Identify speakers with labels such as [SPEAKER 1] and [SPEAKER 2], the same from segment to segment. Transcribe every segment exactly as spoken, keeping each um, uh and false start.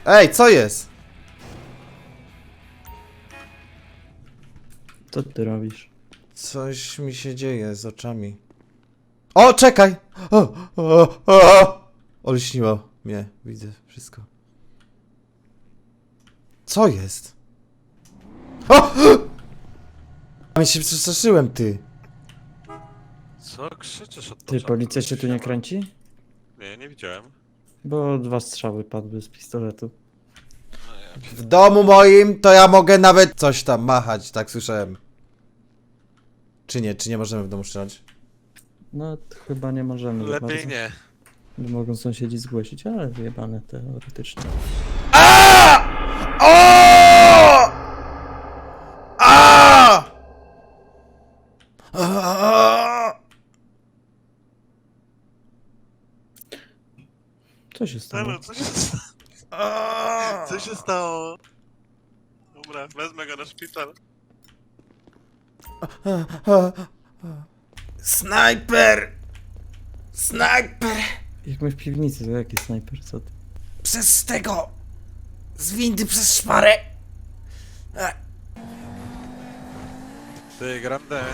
[SPEAKER 1] Ej, co jest?
[SPEAKER 2] Co ty robisz?
[SPEAKER 1] Coś mi się dzieje z oczami. O, czekaj! O, o, o! Olśniło mnie, widzę wszystko. Co jest? O! Ja się przestraszyłem, ty.
[SPEAKER 3] Co krzyczysz od
[SPEAKER 2] Ty,
[SPEAKER 3] początku?
[SPEAKER 2] policja cię tu nie kręci?
[SPEAKER 3] Nie, nie widziałem.
[SPEAKER 2] Bo dwa strzały padły z pistoletu.
[SPEAKER 3] No ja
[SPEAKER 1] W domu moim to ja mogę nawet coś tam machać, tak słyszałem. Czy nie? Czy nie możemy w domu strzelać?
[SPEAKER 2] No, chyba nie możemy. za
[SPEAKER 3] Lepiej
[SPEAKER 2] bardzo.
[SPEAKER 3] nie.
[SPEAKER 2] Bo mogą sąsiedzi zgłosić, ale wyjebane teoretycznie.
[SPEAKER 1] A! O! A! A!
[SPEAKER 2] Co się stało?
[SPEAKER 3] Ale co się stało?
[SPEAKER 1] A!
[SPEAKER 3] Co się stało? Dobra, wezmę go na szpital.
[SPEAKER 1] Snajper! Snajper!
[SPEAKER 2] Jak my w piwnicy, to jaki snajper, co ty?
[SPEAKER 1] Przez tego! Z windy przez szparę!
[SPEAKER 3] Ty, Grande.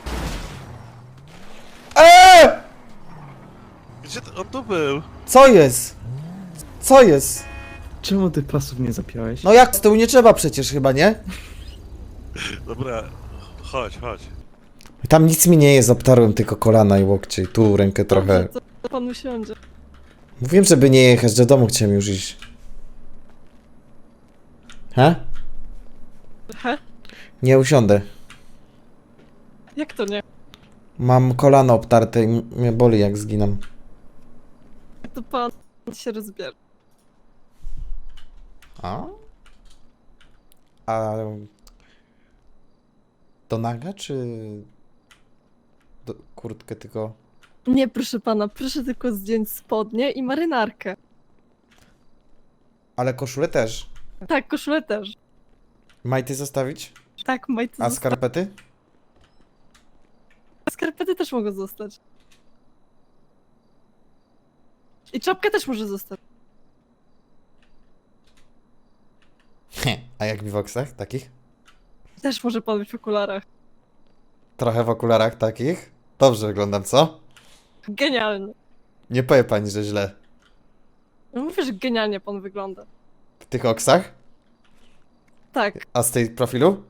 [SPEAKER 1] Eee!
[SPEAKER 3] Gdzie ty, on tu był?
[SPEAKER 1] Co jest? Co jest?
[SPEAKER 2] Czemu ty pasów nie zapiąłeś?
[SPEAKER 1] No jak z tyłu nie trzeba przecież chyba, nie?
[SPEAKER 3] Dobra, chodź, chodź.
[SPEAKER 1] Tam nic mi nie jest, obtarłem tylko kolana i łokcie i tu rękę trochę.
[SPEAKER 4] Dobrze, to pan usiądzie.
[SPEAKER 1] Mówiłem, żeby nie jechać, do domu chciałem już iść. He?
[SPEAKER 4] He?
[SPEAKER 1] Nie usiądę.
[SPEAKER 4] Jak to nie?
[SPEAKER 1] Mam kolano obtarte i m- mnie boli jak zginam.
[SPEAKER 4] To pan się rozbierze.
[SPEAKER 1] A? A... Do naga, czy... Do kurtkę tylko...
[SPEAKER 4] Nie, proszę pana, proszę tylko zdjąć spodnie i marynarkę.
[SPEAKER 1] Ale koszulę też.
[SPEAKER 4] Tak, koszulę też.
[SPEAKER 1] Majty zostawić?
[SPEAKER 4] Tak, majty
[SPEAKER 1] A
[SPEAKER 4] zosta-
[SPEAKER 1] skarpety?
[SPEAKER 4] Skarpety też mogą zostać. I czapkę też może zostać.
[SPEAKER 1] A jak w oksach takich?
[SPEAKER 4] Też może pan być w okularach.
[SPEAKER 1] Trochę w okularach takich? Dobrze wyglądam, co?
[SPEAKER 4] Genialnie.
[SPEAKER 1] Nie powie pani, że źle.
[SPEAKER 4] No mówię, że genialnie pan wygląda.
[SPEAKER 1] W tych oksach?
[SPEAKER 4] Tak,
[SPEAKER 1] A z tej profilu?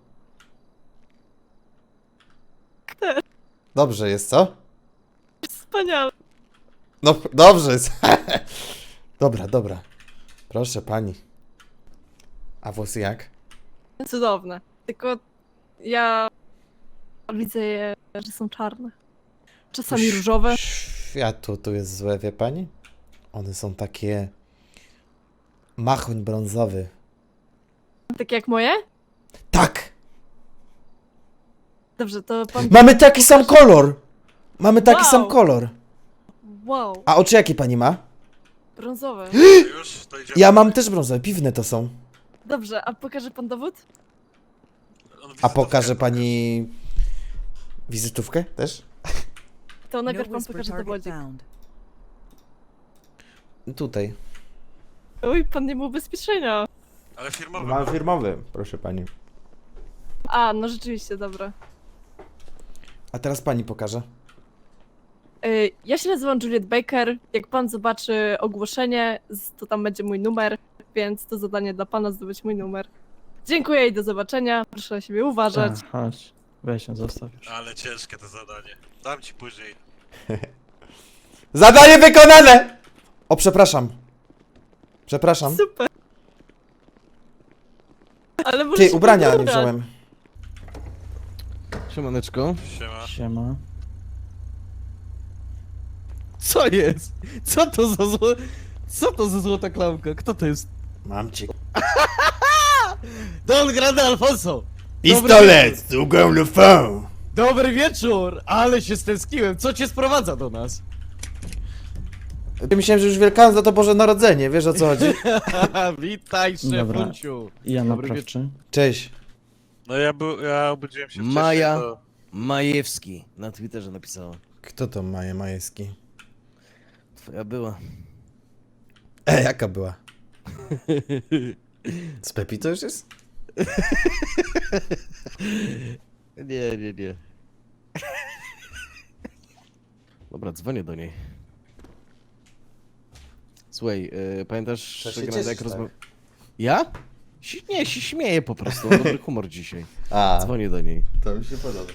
[SPEAKER 4] też.
[SPEAKER 1] Dobrze jest, co?
[SPEAKER 4] Wspaniale.
[SPEAKER 1] No, dobrze jest. Dobra, dobra. Proszę pani. A włosy jak?
[SPEAKER 4] Cudowne. Tylko ja widzę je, że są czarne. Czasami
[SPEAKER 1] Ś-
[SPEAKER 4] różowe.
[SPEAKER 1] Światło tu jest złe, wie pani? One są takie... Machoń brązowy.
[SPEAKER 4] Takie jak moje?
[SPEAKER 1] Tak!
[SPEAKER 4] Dobrze, to pan...
[SPEAKER 1] Mamy taki sam kolor! Mamy taki
[SPEAKER 4] Wow.
[SPEAKER 1] sam kolor.
[SPEAKER 4] Wow,
[SPEAKER 1] A oczy jakie pani ma?
[SPEAKER 4] brązowe.
[SPEAKER 3] Już, to idziemy.
[SPEAKER 1] Ja mam też brązowe, piwne to są.
[SPEAKER 4] Dobrze, a pokaże pan dowód?
[SPEAKER 3] On
[SPEAKER 1] A
[SPEAKER 3] wizytówkę
[SPEAKER 1] pokaże
[SPEAKER 3] pokaże.
[SPEAKER 1] pani... Wizytówkę też?
[SPEAKER 4] To najpierw
[SPEAKER 5] No
[SPEAKER 4] pan
[SPEAKER 5] whisper
[SPEAKER 4] pokaże
[SPEAKER 5] target
[SPEAKER 4] dowodzik.
[SPEAKER 5] found.
[SPEAKER 1] Tutaj.
[SPEAKER 4] Oj, pan nie ma ubezpieczenia.
[SPEAKER 3] Ale firmowy.
[SPEAKER 1] Mam firmowy, proszę pani.
[SPEAKER 4] A, no rzeczywiście, dobra.
[SPEAKER 1] A teraz pani pokaże.
[SPEAKER 4] Y, Ja się nazywam Juliet Baker. Jak pan zobaczy ogłoszenie, z- to tam będzie mój numer, więc to zadanie dla pana zdobyć mój numer. Dziękuję i do zobaczenia. Proszę na siebie uważać.
[SPEAKER 2] A, chodź. Weź ją, zostaw już.
[SPEAKER 3] Ale ciężkie to zadanie. Dam ci później.
[SPEAKER 1] Zadanie wykonane! O, przepraszam. Przepraszam.
[SPEAKER 4] Super. Ale może
[SPEAKER 1] Ty,
[SPEAKER 4] się
[SPEAKER 1] ubrania
[SPEAKER 4] pan
[SPEAKER 1] nie
[SPEAKER 4] ubrać.
[SPEAKER 1] wziąłem.
[SPEAKER 6] Siemaneczko.
[SPEAKER 3] Siema.
[SPEAKER 2] Siema.
[SPEAKER 6] Co jest? Co to za zło... Co to za złota klamka? Kto to jest?
[SPEAKER 1] Mam cię.
[SPEAKER 6] Don Grande Alfonso!
[SPEAKER 1] Pistolet, długą lufą.
[SPEAKER 6] Dobry wieczór! Ale się stęskiłem. Co cię sprowadza do nas?
[SPEAKER 1] Myślałem, że już Wielkanoc to Boże Narodzenie, wiesz o co chodzi?
[SPEAKER 6] Witaj,
[SPEAKER 2] Dobra.
[SPEAKER 6] szefunciu.
[SPEAKER 2] I ja
[SPEAKER 6] Dobry
[SPEAKER 2] naprawczy.
[SPEAKER 1] Cześć.
[SPEAKER 3] No ja, był, ja obudziłem się wcześniej,
[SPEAKER 6] Maja.
[SPEAKER 3] to...
[SPEAKER 6] Majewski na Twitterze napisała.
[SPEAKER 1] Kto to Maja Majewski?
[SPEAKER 6] Twoja była.
[SPEAKER 1] E, jaka była? Z Pepi to już jest?
[SPEAKER 6] Nie, nie, nie. Dobra, dzwonię do niej. Słuchaj, yy, pamiętasz,
[SPEAKER 1] To się
[SPEAKER 6] że
[SPEAKER 1] cieszysz,
[SPEAKER 6] jak
[SPEAKER 1] tak?
[SPEAKER 6] rozmawiałem... Ja? Si- nie, się śmieję po prostu, mam dobry humor dzisiaj.
[SPEAKER 1] A,
[SPEAKER 6] Dzwonię do niej.
[SPEAKER 1] to mi się podoba.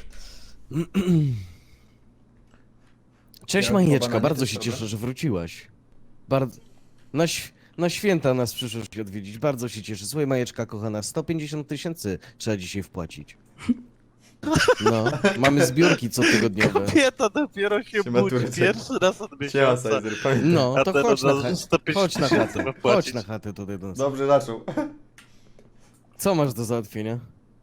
[SPEAKER 6] Cześć
[SPEAKER 1] Ja
[SPEAKER 6] Majeczka,
[SPEAKER 1] próba na
[SPEAKER 6] bardzo
[SPEAKER 1] nie
[SPEAKER 6] się
[SPEAKER 1] też,
[SPEAKER 6] cieszę,
[SPEAKER 1] dobra?
[SPEAKER 6] że wróciłaś. Bardzo... Na, ś... na święta nas przyszłaś odwiedzić, bardzo się cieszę. Słuchaj Majeczka kochana, sto pięćdziesiąt tysięcy trzeba dzisiaj wpłacić. No, mamy zbiórki cotygodniowe.
[SPEAKER 3] Kobieta dopiero się
[SPEAKER 1] Siema,
[SPEAKER 3] budzi,
[SPEAKER 1] Turek.
[SPEAKER 3] pierwszy raz od
[SPEAKER 1] Siema,
[SPEAKER 3] miesiąca.
[SPEAKER 1] Sizer, pamiętam.
[SPEAKER 6] No,
[SPEAKER 3] A
[SPEAKER 6] to
[SPEAKER 3] teraz
[SPEAKER 6] chodź na,
[SPEAKER 3] za
[SPEAKER 6] chatę.
[SPEAKER 3] sto pięćdziesiąt
[SPEAKER 6] chodź na
[SPEAKER 3] tysięcy
[SPEAKER 6] chatę,
[SPEAKER 3] ma
[SPEAKER 6] chodź
[SPEAKER 3] płacić.
[SPEAKER 6] na chatę tutaj do nas.
[SPEAKER 1] Dobrze zaczął.
[SPEAKER 6] Co masz do załatwienia?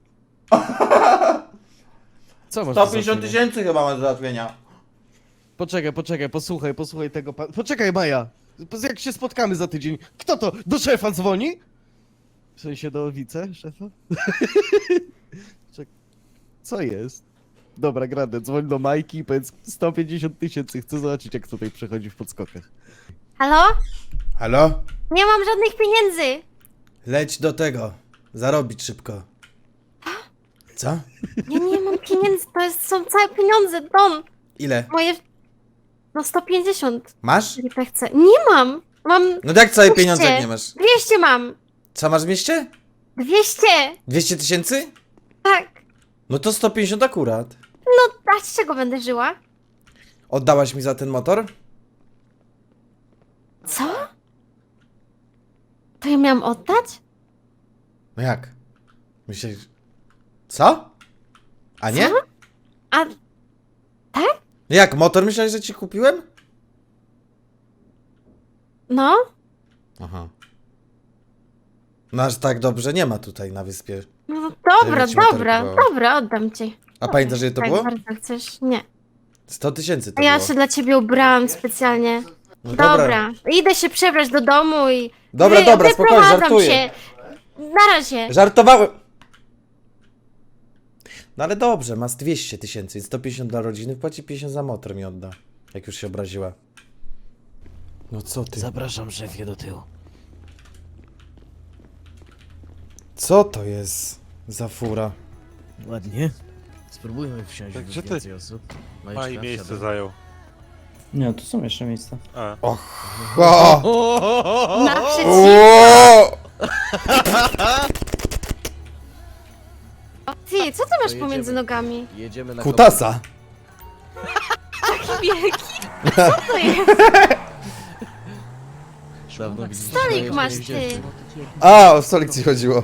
[SPEAKER 6] Co masz
[SPEAKER 1] sto
[SPEAKER 6] do
[SPEAKER 1] pięćdziesiąt
[SPEAKER 6] załatwienia?
[SPEAKER 1] tysięcy chyba ma do załatwienia.
[SPEAKER 6] Poczekaj, poczekaj, posłuchaj, posłuchaj tego pan... Poczekaj Maja! Jak się spotkamy za tydzień, kto to? Do szefa dzwoni? W sensie do wice szefa? Czek... Co jest? Dobra, Grande, dzwoń do Majki i powiedz sto pięćdziesiąt tysięcy, chcę zobaczyć jak tutaj przechodzi w podskokach.
[SPEAKER 5] Halo?
[SPEAKER 1] Halo?
[SPEAKER 5] Nie mam żadnych pieniędzy.
[SPEAKER 1] Leć do tego. Zarobić szybko. Co?
[SPEAKER 5] Ja nie mam pieniędzy, to jest, są całe pieniądze, Don.
[SPEAKER 1] Ile?
[SPEAKER 5] Moje... No sto pięćdziesiąt,
[SPEAKER 1] Masz?
[SPEAKER 5] jeżeli tak chcę. Nie mam. Mam
[SPEAKER 1] No jak całe
[SPEAKER 5] dwieście.
[SPEAKER 1] pieniądze jak nie masz?
[SPEAKER 5] dwieście mam.
[SPEAKER 1] Co masz w mieście?
[SPEAKER 5] dwieście.
[SPEAKER 1] dwieście tysięcy?
[SPEAKER 5] Tak.
[SPEAKER 1] No to sto pięćdziesiąt akurat.
[SPEAKER 5] No, a z czego będę żyła?
[SPEAKER 1] Oddałaś mi za ten motor?
[SPEAKER 5] Co? To ja miałam oddać?
[SPEAKER 1] No jak? Myślałeś... Co? A nie?
[SPEAKER 5] Co? A...
[SPEAKER 1] Jak? Motor myślałeś, że ci kupiłem?
[SPEAKER 5] No?
[SPEAKER 1] Aha. No aż tak dobrze nie ma tutaj na wyspie.
[SPEAKER 5] No dobra,
[SPEAKER 1] ci motor
[SPEAKER 5] dobra,
[SPEAKER 1] kupowało.
[SPEAKER 5] dobra, oddam ci.
[SPEAKER 1] A pamiętasz, ile to
[SPEAKER 5] tak
[SPEAKER 1] było?
[SPEAKER 5] bardzo chcesz? Nie.
[SPEAKER 1] sto tysięcy to
[SPEAKER 5] A ja
[SPEAKER 1] było.
[SPEAKER 5] się dla ciebie ubrałam specjalnie.
[SPEAKER 1] No
[SPEAKER 5] Dobra. Idę się przebrać do domu i...
[SPEAKER 1] Dobra,
[SPEAKER 5] wy,
[SPEAKER 1] dobra, spokojnie,
[SPEAKER 5] wyprowadzam
[SPEAKER 1] żartuję.
[SPEAKER 5] się. Na razie.
[SPEAKER 1] Żartowałem! No ale dobrze, masz dwieście tysięcy, więc sto pięćdziesiąt dla rodziny, płaci pięćdziesiąt za motor mi odda. Jak już się obraziła. No co ty?
[SPEAKER 6] Zapraszam szefie do tyłu.
[SPEAKER 1] Co to jest za fura?
[SPEAKER 6] Ładnie. Spróbujmy wsiąść
[SPEAKER 3] Tak,
[SPEAKER 6] w
[SPEAKER 3] gdzie ty-
[SPEAKER 6] więcej osób. Majeczka,
[SPEAKER 3] Maj miejsce
[SPEAKER 6] wsiadaj.
[SPEAKER 3] zajął.
[SPEAKER 2] Nie, tu są jeszcze miejsca.
[SPEAKER 3] A.
[SPEAKER 1] O!
[SPEAKER 5] Naprzeciw.
[SPEAKER 1] O!
[SPEAKER 5] Ty, co ty masz
[SPEAKER 6] To
[SPEAKER 5] pomiędzy
[SPEAKER 6] jedziemy.
[SPEAKER 5] nogami?
[SPEAKER 6] Jedziemy na
[SPEAKER 1] Kutasa!
[SPEAKER 5] Wieki. Co to jest?
[SPEAKER 6] Dawno widzieliśmy
[SPEAKER 5] Stolik
[SPEAKER 6] Majeczkę
[SPEAKER 5] masz
[SPEAKER 6] nie
[SPEAKER 5] ty.
[SPEAKER 6] wzięliśmy.
[SPEAKER 1] A, o stolik ci chodziło.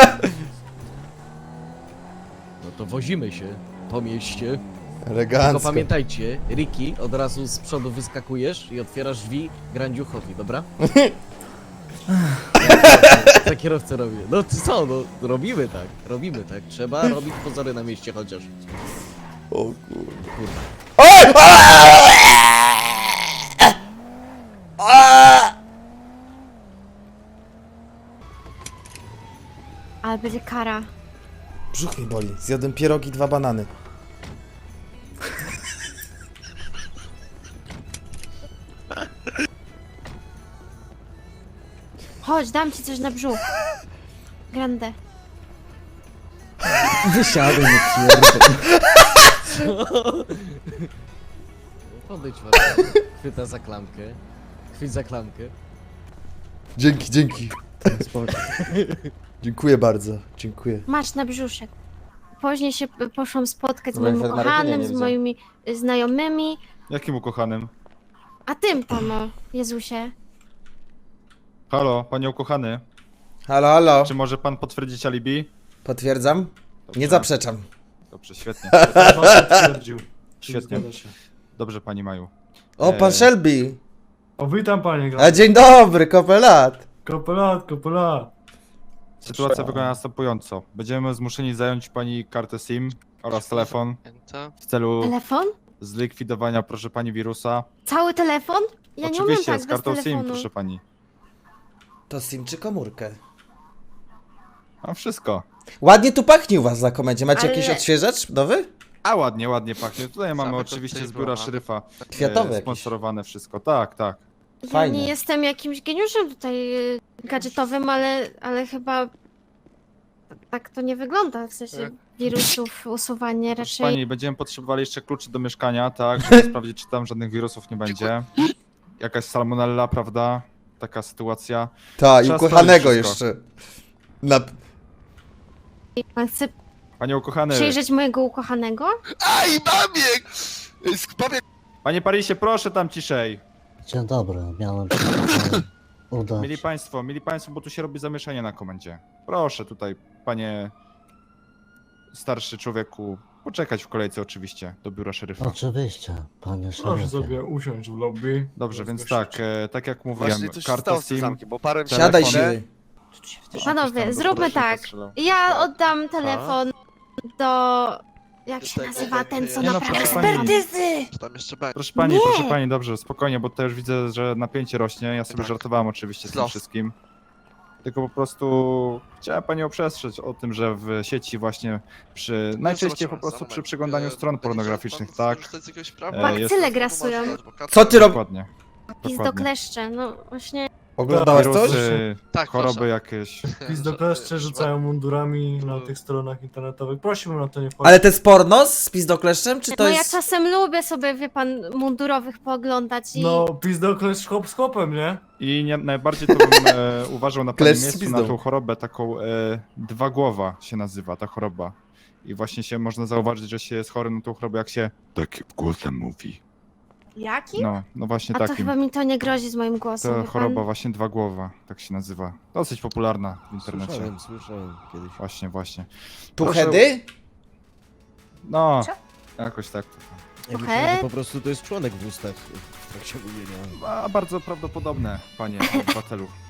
[SPEAKER 6] No to wozimy się po mieście. Tylko
[SPEAKER 1] Elegancko.
[SPEAKER 6] pamiętajcie, Ricky, od razu z przodu wyskakujesz i otwierasz drzwi Grandziuchowi, dobra? Za kierowcę robię. No ty co, no robimy tak, robimy tak. Trzeba robić pozory na mieście chociaż.
[SPEAKER 1] O kurde.
[SPEAKER 6] Kurwa.
[SPEAKER 1] Oj!
[SPEAKER 5] Ale będzie kara.
[SPEAKER 1] Brzuch mi boli. Zjadłem pierogi, dwa banany.
[SPEAKER 5] Chodź, dam ci coś na brzuch. Grande.
[SPEAKER 2] Wysiadaj, nie pierdol.
[SPEAKER 6] Podejdź was. Chwyta za klamkę. Chwyć za klamkę.
[SPEAKER 1] Dzięki, dzięki.
[SPEAKER 2] Spoko.
[SPEAKER 1] Dziękuję bardzo. Dziękuję.
[SPEAKER 5] Masz na brzuszek. Później się p- poszłam spotkać z
[SPEAKER 1] Dobra,
[SPEAKER 5] moim
[SPEAKER 1] jak na rekinie
[SPEAKER 5] ukochanym,
[SPEAKER 1] nie
[SPEAKER 5] z
[SPEAKER 1] widzę.
[SPEAKER 5] moimi y, znajomymi.
[SPEAKER 7] Jakim ukochanym?
[SPEAKER 5] A tym tam, o, Jezusie.
[SPEAKER 7] Halo, panie ukochany.
[SPEAKER 1] Halo, halo.
[SPEAKER 7] Czy może pan potwierdzić alibi?
[SPEAKER 1] Potwierdzam?
[SPEAKER 7] Dobrze.
[SPEAKER 1] Nie zaprzeczam.
[SPEAKER 7] Dobrze, świetnie.
[SPEAKER 8] Potwierdził.
[SPEAKER 7] Świetnie. Dobrze, pani Maju.
[SPEAKER 1] O, pan
[SPEAKER 7] Eee.
[SPEAKER 1] Shelby.
[SPEAKER 8] O, witam panie
[SPEAKER 1] A
[SPEAKER 8] Gra.
[SPEAKER 1] dzień dobry, kopelat.
[SPEAKER 8] Kopelat, kopelat.
[SPEAKER 7] Sytuacja wygląda następująco. Będziemy zmuszeni zająć pani kartę SIM oraz telefon w celu
[SPEAKER 5] Telefon?
[SPEAKER 7] zlikwidowania, proszę pani, wirusa.
[SPEAKER 5] Cały telefon? Ja nie umiem
[SPEAKER 7] Oczywiście,
[SPEAKER 5] tak
[SPEAKER 7] z
[SPEAKER 5] bez
[SPEAKER 7] kartą SIM,
[SPEAKER 5] telefonu.
[SPEAKER 7] proszę pani.
[SPEAKER 1] To SIM czy komórkę?
[SPEAKER 7] Mam wszystko.
[SPEAKER 1] Ładnie tu pachnie u was za komendzie. Macie
[SPEAKER 5] Ale-
[SPEAKER 1] jakiś odświeżacz nowy?
[SPEAKER 7] A ładnie, ładnie pachnie. Tutaj mamy
[SPEAKER 3] Same
[SPEAKER 7] oczywiście z
[SPEAKER 3] koktajl
[SPEAKER 7] biura
[SPEAKER 3] była.
[SPEAKER 7] szeryfa
[SPEAKER 1] Kwiatowe
[SPEAKER 7] e,
[SPEAKER 1] jakieś.
[SPEAKER 7] sponsorowane wszystko. Tak, tak.
[SPEAKER 5] Ja
[SPEAKER 1] Fajne.
[SPEAKER 5] nie jestem jakimś geniuszem tutaj y, gadżetowym, ale, ale chyba tak to nie wygląda, w sensie wirusów usuwanie
[SPEAKER 7] Proszę
[SPEAKER 5] raczej...
[SPEAKER 7] pani, będziemy potrzebowali jeszcze kluczy do mieszkania, tak, żeby sprawdzić, czy tam żadnych wirusów nie będzie. Jakaś salmonella, prawda? Taka sytuacja.
[SPEAKER 1] Ta, i
[SPEAKER 7] Trzeba
[SPEAKER 1] ukochanego
[SPEAKER 7] sprawdzić wszystko.
[SPEAKER 1] jeszcze. Na...
[SPEAKER 5] Pan chce
[SPEAKER 7] Panie ukochany,
[SPEAKER 5] przyjrzeć mojego ukochanego?
[SPEAKER 9] Aj, babiek! Babiek!
[SPEAKER 7] panie Parisie, proszę tam ciszej.
[SPEAKER 10] Dzień dobry, miałem się tutaj udać.
[SPEAKER 7] Mieli państwo, mieli państwo, bo tu się robi zamieszanie na komendzie. Proszę tutaj, panie starszy człowieku, poczekać w kolejce oczywiście do biura szeryfa.
[SPEAKER 10] Oczywiście, panie
[SPEAKER 8] Proszę
[SPEAKER 10] szeryfie.
[SPEAKER 8] sobie usiąść w lobby.
[SPEAKER 7] Dobrze, więc
[SPEAKER 8] Rozgościć.
[SPEAKER 7] tak, e, tak jak mówiłem,
[SPEAKER 9] Właśnie coś się
[SPEAKER 7] karta
[SPEAKER 9] stało z tym
[SPEAKER 7] SIM,
[SPEAKER 9] zamkiem, bo parę...
[SPEAKER 1] Siadaj
[SPEAKER 7] telefony.
[SPEAKER 1] siły.
[SPEAKER 5] Panowie,
[SPEAKER 7] tam do
[SPEAKER 5] zróbmy
[SPEAKER 7] podróżnika
[SPEAKER 5] tak.
[SPEAKER 7] strzelał.
[SPEAKER 5] Ja oddam telefon do... Jak się
[SPEAKER 9] Tego-
[SPEAKER 5] nazywa ten, co
[SPEAKER 7] Nie no,
[SPEAKER 5] naprawia
[SPEAKER 7] proszę pani.
[SPEAKER 5] ekspertyzy?
[SPEAKER 9] Czy tam jeszcze będzie?
[SPEAKER 7] Proszę pani,
[SPEAKER 5] Nie.
[SPEAKER 7] proszę pani, dobrze, spokojnie, bo to już widzę, że napięcie rośnie. Ja sobie
[SPEAKER 9] Tak.
[SPEAKER 7] żartowałem oczywiście z tym
[SPEAKER 9] Los.
[SPEAKER 7] wszystkim. Tylko po prostu chciałem panią przestrzec o tym, że w sieci właśnie przy... najczęściej po
[SPEAKER 9] zobaczymy,
[SPEAKER 7] prostu
[SPEAKER 9] za
[SPEAKER 7] przy
[SPEAKER 9] moment.
[SPEAKER 7] przeglądaniu
[SPEAKER 9] E,
[SPEAKER 7] stron
[SPEAKER 9] będzie
[SPEAKER 7] pornograficznych,
[SPEAKER 9] chciał pan
[SPEAKER 7] tak?
[SPEAKER 9] skorzystać z jakiegoś prawa?
[SPEAKER 7] E,
[SPEAKER 5] Bakcyle
[SPEAKER 7] jest-
[SPEAKER 5] grasują.
[SPEAKER 1] Co ty rob-
[SPEAKER 7] Dokładnie.
[SPEAKER 5] Pizdo
[SPEAKER 7] Dokładnie.
[SPEAKER 5] kleszcze, no właśnie...
[SPEAKER 1] Oglądałaś coś?
[SPEAKER 7] Wirusy,
[SPEAKER 9] Tak,
[SPEAKER 7] choroby
[SPEAKER 9] proszę.
[SPEAKER 7] jakieś.
[SPEAKER 8] Pizdokleszcze rzucają mundurami na tych stronach internetowych. Prosiłbym na to nie wchodzić.
[SPEAKER 1] Ale to jest porno z pizdokleszczem, czy to
[SPEAKER 5] No ja
[SPEAKER 1] jest...
[SPEAKER 5] czasem lubię sobie, wie pan, mundurowych pooglądać i...
[SPEAKER 8] No, pizdokleszcz hop z hopem, nie?
[SPEAKER 7] I nie, najbardziej to bym e, uważał na
[SPEAKER 1] Klesz
[SPEAKER 7] pewnym
[SPEAKER 1] z
[SPEAKER 7] miejscu
[SPEAKER 1] pizdą.
[SPEAKER 7] na tą chorobę taką e, dwa głowa się nazywa ta choroba. I właśnie się można zauważyć, że się jest chory na tą chorobę, jak się takim głosem mówi.
[SPEAKER 5] Jaki?
[SPEAKER 7] No, no właśnie
[SPEAKER 5] A to
[SPEAKER 7] takim.
[SPEAKER 5] chyba mi to nie grozi z moim głosem,
[SPEAKER 7] To
[SPEAKER 5] wie
[SPEAKER 7] choroba
[SPEAKER 5] pan?
[SPEAKER 7] właśnie dwa głowa, tak się nazywa. Dosyć popularna w internecie.
[SPEAKER 6] Słyszałem, słyszałem kiedyś.
[SPEAKER 7] Właśnie, właśnie.
[SPEAKER 1] Tuchedy?
[SPEAKER 7] No, jakoś tak.
[SPEAKER 6] Ja
[SPEAKER 5] Okej.
[SPEAKER 6] myślałem, że po prostu to jest członek w ustach w trakcie mówienia.
[SPEAKER 7] A bardzo prawdopodobne, panie obywatelu.